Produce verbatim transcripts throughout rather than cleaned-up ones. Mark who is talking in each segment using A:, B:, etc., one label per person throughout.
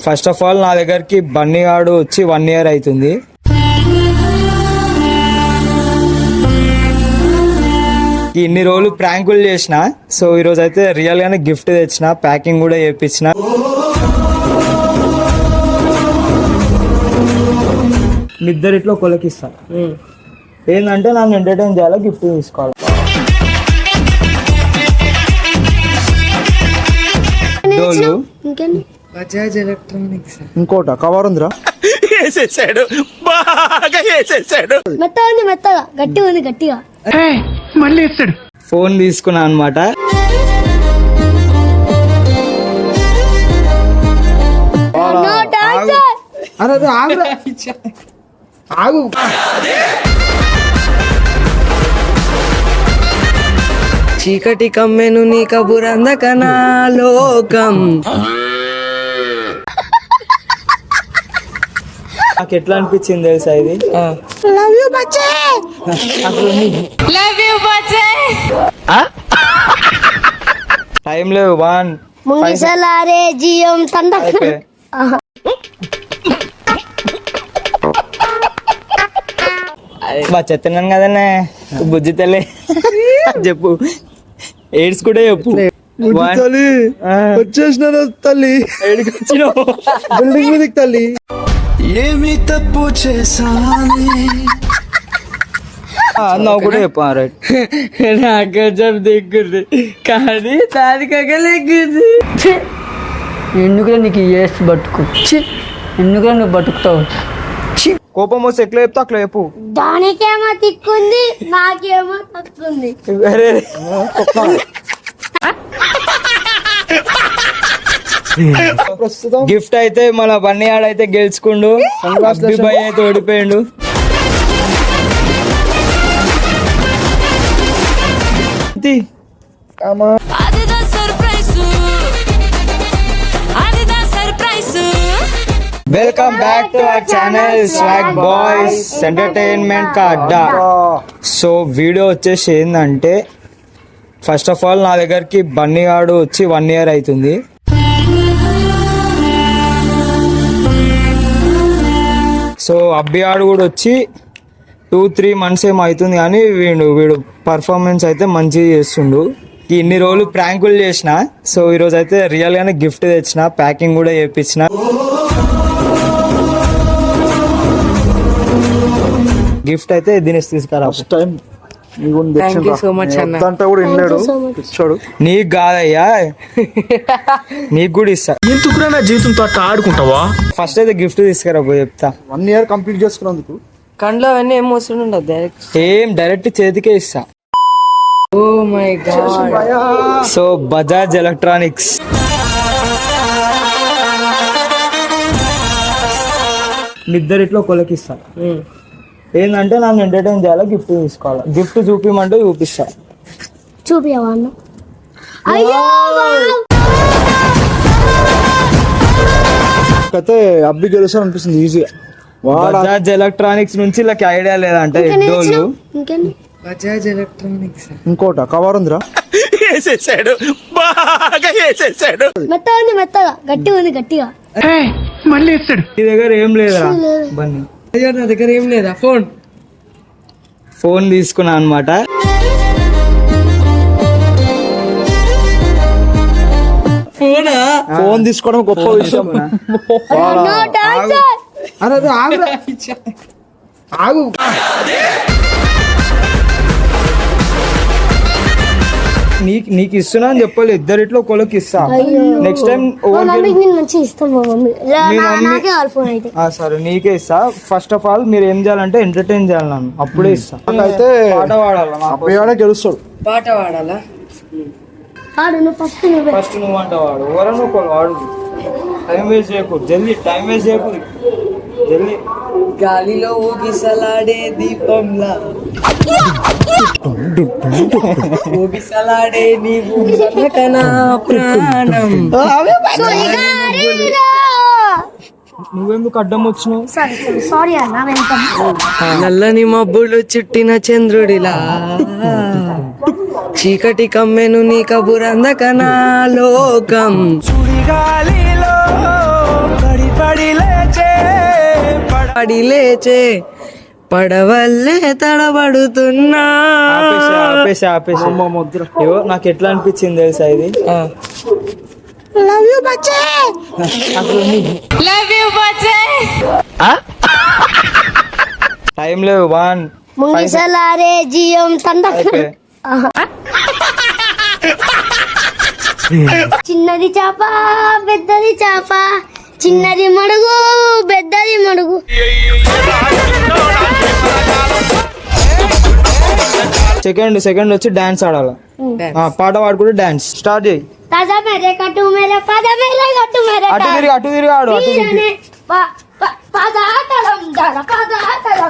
A: First of all నా దగ్గరికి బన్నీ గాడు వచ్చి వన్ ఇయర్ అవుతుంది. ఇన్ని రోజులు ప్రాంకులు చేసిన, సో ఈరోజు అయితే రియల్ గానే గిఫ్ట్ తెచ్చిన, ప్యాకింగ్ కూడా చేయించిన. ఇద్దరిట్లో కొలకిస్తా ఏంటంటే నన్ను ఎంటర్టైన్ చేయాలి, గిఫ్ట్ తీసుకోవాలి. డోలు
B: బజాజ్ ఎలక్ట్రానిక్స్.
C: ఇంకోట కవర్ ఉందిరా,
D: వేసేసాడు, బాగా వేసేసాడు.
E: మెత్తగా ఉంది, మెత్తగా గట్టిగా ఉంది, గట్టిగా
D: మళ్ళీ వేసాడు.
A: ఫోన్ తీసుకున్నా అనమాట.
C: అరే ఆగు ఆగు.
B: చీకటి కమ్మెను నీ కబురందకనా లోకం.
A: నాకు ఎట్లా అనిపించింది తెలుసా ఇది?
E: లవ్ యూ బచ్చే, లవ్ యూ బచ్చే.
A: టైం లేవు. వన్
E: ముంగిసలారే జియం తండ.
A: బా చెత్తన్నాను కదనే బుజ్జి తల్లి. చెప్పు, ఎయిడ్స్ కూడా చెప్పు.
C: తల్లి వచ్చేసిన తల్లి, బిల్డింగ్ మీదకి తల్లి.
D: ఏమి తప్పు చేసాని
A: నువ్వు కూడా చెప్పు. రైట్,
B: నాకు జబ్ దిగ్గుంది కానీ దానికగా లెగ్గుంది. ఎందుకురా నీకు ఏసి బతుకు, ఎందుకురా నువ్వు బతుకుతావు.
A: కోపం వస్తే ఎట్లా చెప్తా అట్లా చెప్పు.
E: దానికేమో తిక్కుంది, నాకేమో తక్కుంది.
A: గిఫ్ట్ అయితే మన బన్నీ ఆడైతే గెలుచుకుండు, బాయ్ అయితే ఓడిపోయిండు. Welcome back to our channel swag boys entertainment కా అడ్డా. సో వీడియో వచ్చేసి ఏంటంటే, ఫస్ట్ ఆఫ్ ఆల్ నా దగ్గరికి బన్నీ గాడు వచ్చి వన్ ఇయర్ అవుతుంది. సో అబ్బి ఆడు కూడా వచ్చి టూ త్రీ మంత్స్ ఏమో అవుతుంది, కానీ వీడు వీడు పర్ఫార్మెన్స్ అయితే మంచిగా చేస్తుండు. ఇన్ని రోజులు ప్రాంకులు చేసిన, సో ఈరోజు అయితే రియల్ గానే గిఫ్ట్ తెచ్చిన, ప్యాకింగ్ కూడా చేయించిన. గిఫ్ట్ అయితే దినేష్ తీసుకురా.
C: ఫస్ట్ టైం
A: ఇచ్చాడు. నీకు కాదయ్యా, నీకు కూడా ఇస్తా.
D: ఎందుకురా నా జీవితంతో అట్లా ఆడుకుంటావా?
A: ఫస్ట్ అయితే గిఫ్ట్ తీసుకురా పోయి చెప్తా.
C: వన్ ఇయర్ కంప్లీట్ చేసుకున్నందుకు
B: కండ్లో అవన్నీ ఏం మోసం ఉండదు, డైరెక్ట్
A: ఏం డైరెక్ట్ చేతికే ఇస్తా.
B: Oh my god.
A: So Bajaj electronics. ఇద్దరిట్లో కొలకిస్తా ఏంటంటే నన్ను ఎంటర్టైన్ చేయాలి, గిఫ్ట్ తీసుకోవాలి. గిఫ్ట్ చూపిమంటే చూపిస్తా.
E: చూపియవా అన్న? అయ్యో
C: అయితే అబ్బి గెలుస్తాను అనిపిస్తుంది ఈజీగా.
A: బజాజ్ ఎలక్ట్రానిక్స్ నుంచి ఇలా ఐడియా లేదంటే డోలు.
B: బజాజ్ ఎలక్ట్రానిక్స్.
C: ఇంకోట కవర్ ఉందిరా,
D: వేసేసాడు, బాగా వేసేసాడు.
E: మెత్తగా ఉంది, మెత్తగా గట్టిగా ఉంది, గట్టిగా
D: మళ్ళీ వేసాడు.
A: నీ దగ్గర ఏం లేదురా బన్నీ?
B: నా దగ్గర ఏం లేదా. ఫోన్
A: ఫోన్ తీసుకున్నా అనమాట.
B: ఫోనా?
C: ఫోన్ తీసుకోవడం గొప్ప విషయం. అరే ఆగు ఆగు.
A: నీకు నీకు ఇస్తున్నా అని చెప్పాలి, ఇద్దరిట్లో ఒకళ్ళకి ఇస్తా. నెక్స్ట్ టైం సరే నీకే ఇస్తా. ఫస్ట్ ఆఫ్ ఆల్ మీరు ఏం చేయాలంటే ఎంటర్టైన్ చేయాలి నన్ను, అప్పుడే ఇస్తా.
C: అయితే
A: పాట పాడాలి,
C: గెలుస్తాడు.
B: పాట పాడాలా?
A: ఫస్ట్ నువ్వు అంట వాడు, ఎవరన్నా ఒకళ్ళు వాడు. టైం వేస్ట్ చేయకు, జల్దీ టైం వేస్ట్ చేయకు, జల్దీ.
B: గాలిలో ఊగిసలాడే దీపంలా ఊగిసలాడే నీవు సనకనా ప్రాణం.
A: నువ్వెందుకు అడ్డం వచ్చినావు?
E: సారీ అన్న.
B: నల్లని మబ్బులు చుట్టిన చంద్రుడిలా చీకటి కమ్మెను నీ కబురందకనా లోకం.
D: సుడిగాలిలో పడి లేచే
B: పడి లేచే పడవల్లే తడబడుతున్నా.
A: ఆపేసి ఆపేసి ఆపేసి అయ్యో నాకు ఎట్లా అనిపించింది తెలుసా ఇది
B: ఆ.
A: టైం లేవు వన్
E: ముంగిసలారే జియం తండ చిన్నది చాప పెద్దది చాప చిన్నది మడుగు పెద్దది మడుగు
A: సెకండ్ సెకండ్ వచ్చి డాన్స్ ఆడాలి ఆ, పాట పాడుకుంటే డాన్స్ స్టార్ట్ చేయి
E: పద మేరే కట్టు మేరే పద మేరే కట్టు మేరే
A: అటు తిరిగి అటు తిరిగి ఆడు అటు తిరిగి
E: వీరనే ప- ప- పదాతలం దర పదాతలం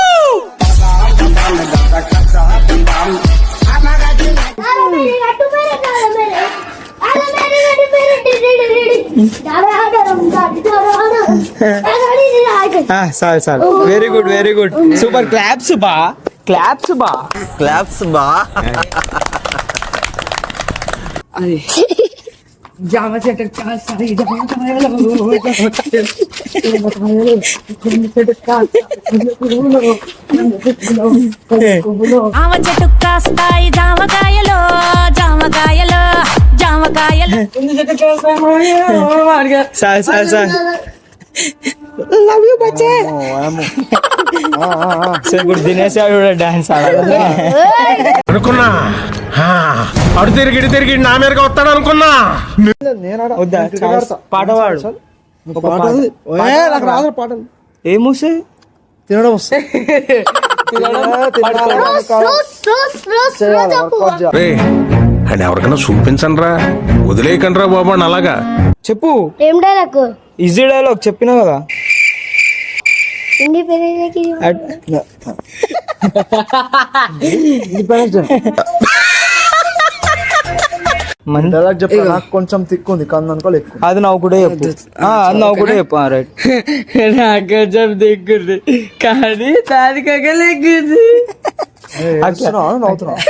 E: దర మేరే కట్టు మేరే దర మేరే దర మేరే కట్టు మేరే డి డి డి డి దరాదరం దరాదరం దరాడి రాజు
A: ఆ, చాలు చాలు very good very good super claps బా క్లాప్స్ బా
D: క్లాప్స్ బా
B: అది జామ చెట్టు కాసాయి జామ కాయలు
F: ఆమ చెట్టు కాస్తాయి జామకాయలు జామకాయలు జామకాయలు
A: చాలు చాలు చాలు సో ఇప్పుడు దినేష్ గారు కూడా డాన్స్ ఆడాలి
D: అనుకున్నా హా, అడు తిరిగి ఇటు తిరిగి నా మీదగా వస్తాడు అనుకున్నా.
A: వద్దా చాలు. పాట పాడు
C: ఒక పాట ఉంది. ఏ, నాకు రాదు పాటలు
A: ఏం వస్తాయి
C: తినడం వస్తుంది
E: రోస్ రోస్ రోస్ రోజు
D: రే అండ్ ఎవరికైనా చూపించండి రా వదిలేయకండి రా బాబు అని అలాగా
A: చెప్పు
E: ఏం డైలాగ్
A: ఈజీ డైలాగ్ చెప్పినా కదా
E: ఇండి పెరేకి
A: అట్- మన్-
C: డైలాగ్ చెప్పా నాకు కొంచెం తిక్కు ఉంది కన్ను అనుకో ఎక్కువ
A: అది నవ్వు కూడా చెప్పు ఆ, అది నవ్వు కూడా చెప్పు రైట్
B: నాకు కొంచెం దిగ్గుంది కానీ దానికగా లెగ్గుంది.
C: నవ్వుతున్నా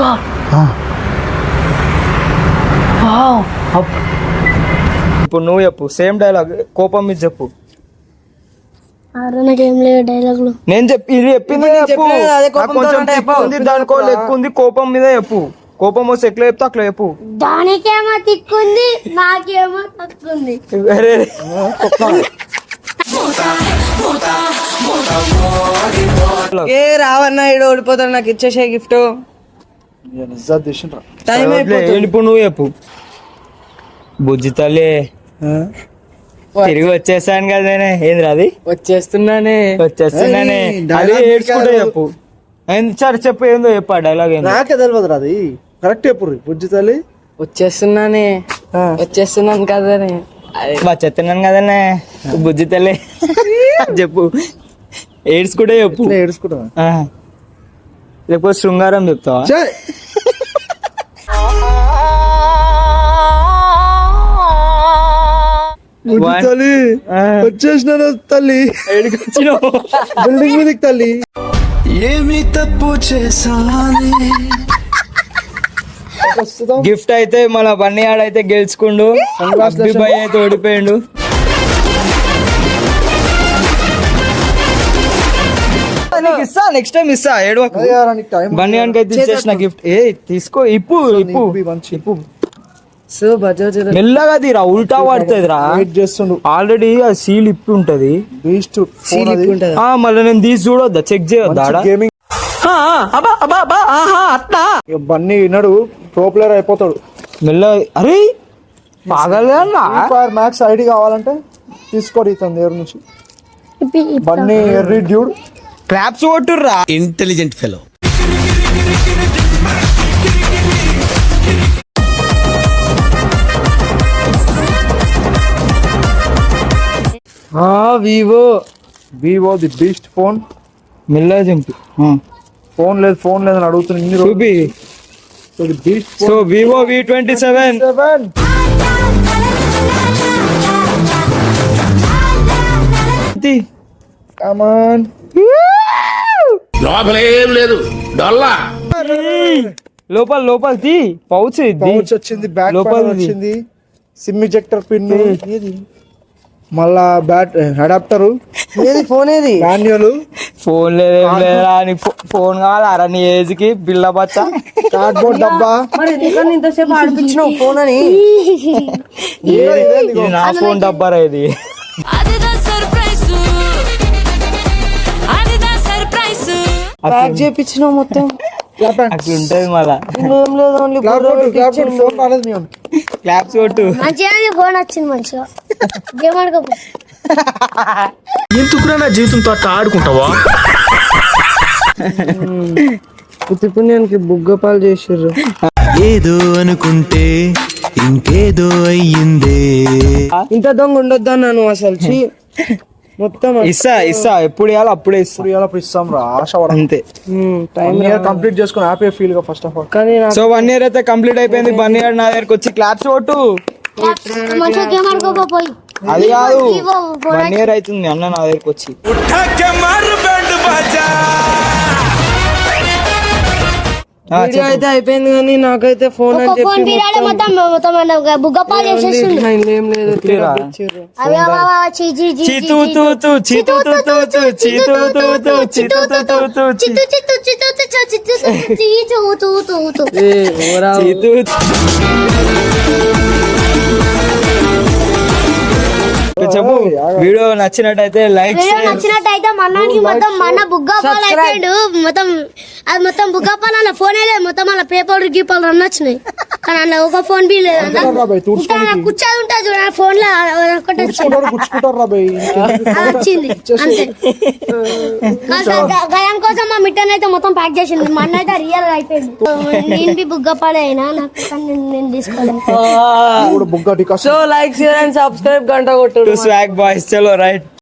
A: ఇప్పుడు నువ్వు చెప్పు సేమ్ డైలాగ్ కోపం మీద చెప్పు
E: ఆరు నాకేం లేవు డైలాగులు
A: నేను చెప్పి ఇది చెప్పింది
B: నేను
A: చెప్పు
B: చెప్పిన అదే
A: నాకు
B: కోపంతో
A: కొంచెం
B: అంటే
A: తిక్కు
B: చెప్పు.
A: ఉంది దానికో లెక్కు ఉంది కోపం మీద చెప్పు కోపం వస్తే ఎట్లా చెప్తా అట్లా చెప్పు
E: దానికేమో తిక్కుంది నాకేమో తక్కుంది
A: అరే
B: ఏ రావన్నా ఇడు ఓడిపోతాడు నాకు ఇచ్చేసే గిఫ్ట్
C: నిజాలు తీసిండ్రా
B: టైం అయిపోతుంది.
A: ఇప్పుడు నువ్వు చెప్పు బుజ్జి తల్లి తిరిగి వచ్చేసాను కదా నేనే ఏంద్రా అది
B: వచ్చేస్తున్నానే
A: వచ్చేస్తున్నానే
C: ఏయ్,
A: అది
C: dialogue
A: ఏడ్చుకుంటే
C: కాదు.
A: చెప్పు ఏంది సార్ చెప్పు ఏందో చెప్పు ఆ డైలాగ్ ఏందో
C: నాకే తెలియదు రా అది కరెక్ట్ ఎప్పుడు బుజ్జి తల్లి
B: వచ్చేస్తున్నానే వచ్చేస్తున్నాను కదనే అదే
A: వచ్చేస్తున్నాను కదనే బుజ్జి తల్లి చెప్పు ఏడ్చుకుంటే చెప్పు
C: ఇట్లా ఏడుచుకుంటా
A: ఆ. లేకపోతే శృంగారం చెప్తావా
C: బుజ్జి
A: One.
C: తల్లి
A: ఆ.
C: వచ్చేసిన తల్లి
A: ఏడికొచ్చినావు
C: బిల్డింగ్ మీదకి తల్లి
D: ఏమి తప్పు చేశానే
C: ప్రస్తుతం
A: గిఫ్ట్ అయితే మన బన్నీ ఆడైతే గెలుచుకుండు అబ్బిబాయ్ అయితే ఓడిపోయిండు నీకు ఇస్తా నెక్స్ట్ టైం ఇస్తా ఏడవకు
C: అదే రా, నీకు టైం
A: బన్నీ గానికి అయితే ఇచ్చేసిన గిఫ్ట్ ఏ తీసుకో ఇప్పు ఇప్పు
C: ఇప్పి మంచి.
A: ఇప్పు
B: సో బజాజ్
A: మెల్లగా తీరా ఉల్టా పడుతుంది రా
C: వెయిట్ చేస్తుండు
A: ఆల్రెడీ ఆ సీల్ ఇప్పి ఉంటది
C: బీస్ట్
B: సీల్ ఇప్పి ఉంటదా?
A: ఆ మళ్ళీ నేను తీసి చూడొద్దా చెక్ చేయొద్దా ఆడ?
C: గేమింగ్ బన్నీ విన్నాడు ప్రో ప్లేయర్ అయిపోతాడు
A: మెల్ల అరే పాగలే
C: ఫైర్ మ్యాక్స్ ఐడి కావాలంటే తీసుకోరు ఇతను దగ్గర నుంచి
E: ఇప్పి ఇప్పి.
C: బన్నీ ఎర్రీ డ్యూడ్
A: క్రాప్స్ కొట్టుర్రా
D: intelligent fellow
B: Vivo
C: Vivo the beast phone
A: మెల్లగా చింపి
C: ఫోన్ లేదు ఫోన్ లేదని అడుగుతున్నా ఇన్ని రోజులు
A: చూపి
C: beast
A: so Vivo V twenty seven
C: seven come on
D: లోపలేం లేదు డొల్లా
A: లోపల లోపల తీ పౌచ్ ఇది
C: పౌచ్ వచ్చింది బ్యాక్
A: లోపలిది.
C: వచ్చింది సిమ్ ఇజెక్టర్ పిన్ మళ్ళా బ్యాట్ అడాప్టర్
B: ఏది ఫోన్ ఏది
C: మాన్యువల్
A: ఫోన్ లేదేం లేదురా నీ ఫో- ఫోన్ కావాలా నీ ఏజ్ కి బిల్ల బచ్చ
C: కార్డ్బోర్డ్ డబ్బా
B: మరి ఎందుకని ఇంతసేపు ఆడిపించినావు ఫోన్ అని
A: ఇది నా ఫోన్ డబ్బారా ఇది
F: అదిదా సర్ప్రైజ్ అదిదా సర్ప్రైజ్
B: ప్యాక్ చేపించినావు మొత్తం
A: అట్లా ఉంటది మళ్ళా
B: ఏం లేదు ఓన్లీ
C: ఫోన్ రాలేదు మేము
A: క్లాప్స్ కొట్టు
E: మంచిగా ఫోన్ వచ్చింది మంచిగా గేమ్ ఆడుకోపో
D: ఎందుకురా నా జీవితంతో అట్లా ఆడుకుంటావా
B: పుత్తిపుణ్యానికి బుగ్గపాలు చేసిర్రు
G: ఏదో అనుకుంటే ఇంకేదో అయ్యిందే.
B: ఇంత దొంగ ఉండొద్దా నన్ను అసలు ఛీ. మొత్తం
A: ఇస్తా ఇస్తా ఎప్పుడు ఇవ్వాలి అప్పుడే ఇస్తా
C: ఇప్పుడు ఇవాళ ఇస్తాం రా ఆశ పడ
A: అంతే
B: టైం
C: కంప్లీట్ చేసుకుని హ్యాపీ ఫీల్ గా ఫస్ట్ ఆఫ్ ఆల్
B: కానీ నాకు
A: సో వన్ ఇయర్ అయితే కంప్లీట్ అయిపోయింది వన్ ఇయర్ నా దగ్గరకు వచ్చి క్లాప్స్ కొట్టు
E: మంచిగా గేమ్ ఆడుకోపో పోయి
A: అది కాదు
E: ఇవ్వు, ఫోన్
A: వన్ ఇయర్ అవుతుంది అన్న నా దగ్గరకు వచ్చి ఆ,
B: వీడియో
A: చెప్పు.
B: అయితే అయిపోయింది కానీ నాకైతే ఫోన్ అని
E: ఒక ఫోన్
B: చెప్పి
E: బీరాడే మొత్తం మొత్తం బుగ్గపాలు చేసేసిండు
B: మొత్తం ఏం లేదు
A: ఇట్లేరా?
B: ఇచ్చిర్రు.
E: అవి అవి చీ చీ చీ
A: చీతూ తూ తూ చీతూ తూ తూ తూ చీతూ తూ తూ చీతూ తూ తూ తూ
E: చిత్తు చిత్తు చిత్తు చిత్తు చిత్తు చీచు తూ తూ తూ
B: ఏ, ఓరా.
A: చీతూ చెప్పు వీడియో నచ్చినట్టయితే లైక్
E: వీడియో నచ్చినట్టయితే మన్నానికి మొత్తం మన బుగ్గపాలు అయిపోయాడు మొత్తం అది మొత్తం బుగ్గపాలు అలా ఫోన్ లేదు మొత్తం అలా పేపర్ గీపాలు అన్నీ వచ్చినాయి కానీ అలా ఒక ఫోన్ బి లేదు
C: రాబాయ్ తుడుచుకోవడానికి
E: కూర్చొని ఉంటుంది చూడ ఫోన్ లో ఒకటి వచ్చింది
C: గుచ్చుకుంటారు రాబాయ్
E: అది వచ్చింది అంతే గయం కోసం మా మిట్టన్ అయితే మొత్తం ప్యాక్ చేసింది మా అన్న అయితే రియల్ అయిపోయింది నేను బి బుగ్గపాలే అయినా నాకు కానీ నేను- నేను తీసుకోలేదు
C: కూడా బుగ్గ టికా
B: so like share and subscribe గంట కొట్టు
A: స్వాగ్ బాయ్స్ చలో రైట్